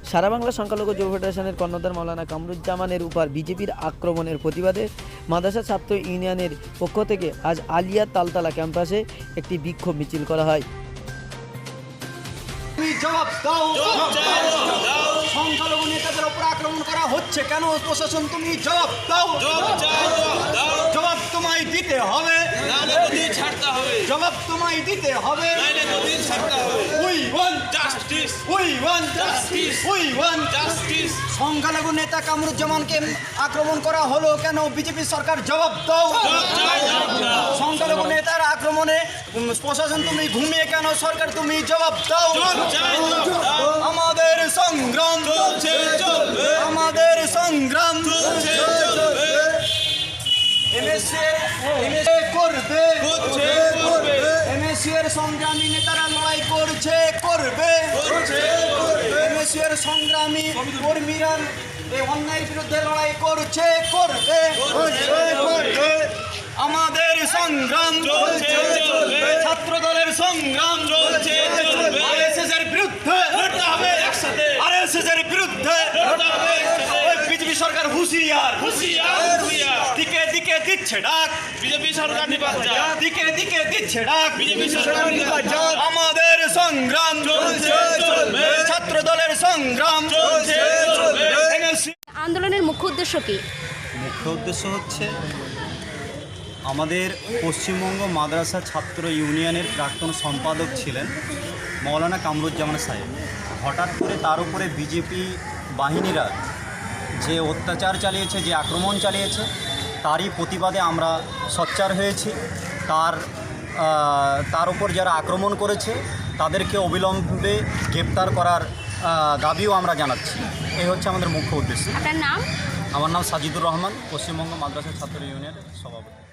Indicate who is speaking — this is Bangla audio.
Speaker 1: সারা বাংলা সংখ্যালঘু যুব ফেডারেশনের কর্ণধার মাওলানা কামরুজ্জামানের উপর বিজেপির আক্রমণের প্রতিবাদে মাদ্রাসা ছাত্র ইউনিয়নের পক্ষ থেকে আজ আলিয়া তালতলা ক্যাম্পাসে একটি বিক্ষোভ মিছিল করা হয়।
Speaker 2: জবাব দাও, সংখ্যালঘু নেতাদের উপর আক্রমণ করা হচ্ছে কেন? প্রশাসন তুমি জবাব দাও, জবাব তোমায় দিতে হবে, জবাব তোমায় দিতে হবে। We want justice, we want justice, we want justice. সংখ্যালঘু নেতা কামরুজ্জামানকে আক্রমণ করা হলো কেন? বিজেপি সরকার জবাব দাও। সংখ্যালঘু নেতার আক্রমণে প্রশাসন তুমি ঘুমিয়ে কেন? সরকার তুমি জবাব দাও। আমাদের সংগ্রাম চলছে, আমাদের সংগ্রাম চলছে, এমএসসি এর সংগ্রামী নেতারা লড়াই করছে, করবে। এমএসসি এর সংগ্রামী কর্মীরা এই অন্যায়ের বিরুদ্ধে লড়াই করছে, করবে। আমাদের সংগ্রাম চলছে, ছাত্র দলের সংগ্রাম চলছে, আরএসএস এর বিরুদ্ধে লড়তে হবে একসাথে, আরএসএস এর বিরুদ্ধে লড়তে হবে একসাথে। বিজেপি সরকার হুঁশিয়ার, হুঁশিয়ার, হুঁশিয়ার। দিকে দিকে দিচ্ছে ডাক বিজেপি সরকার, নির্বাচন দিকে দিকে দিচ্ছে ডাক বিজেপি সরকার, নির্বাচন। আমাদের সংগ্রাম চলছে, চলবে, ছাত্র দলের সংগ্রাম চলছে, চলবে।
Speaker 3: আন্দোলনের মুখ্য উদ্দেশ্য কি?
Speaker 4: মুখ্য উদ্দেশ্য হচ্ছে আমাদের পশ্চিমবঙ্গ মাদ্রাসা ছাত্র ইউনিয়নের প্রাক্তন সম্পাদক ছিলেন মাওলানা কামরুজ্জামান সাহেব। হঠাৎ করে তার উপরে বিজেপি বাহিনীরা যে অত্যাচার চালিয়েছে, যে আক্রমণ চালিয়েছে, তারই প্রতিবাদে আমরা সোচ্চার হয়েছি। তার উপর যারা আক্রমণ করেছে তাদেরকে অবিলম্বে গ্রেপ্তার করার দাবিও আমরা জানাচ্ছি। এই হচ্ছে আমাদের মুখ্য উদ্দেশ্য।
Speaker 3: আপনার নাম?
Speaker 4: আমার নাম সাজিদুর রহমান, পশ্চিমবঙ্গ মাদ্রাসা ছাত্র ইউনিয়নের সভাপতি।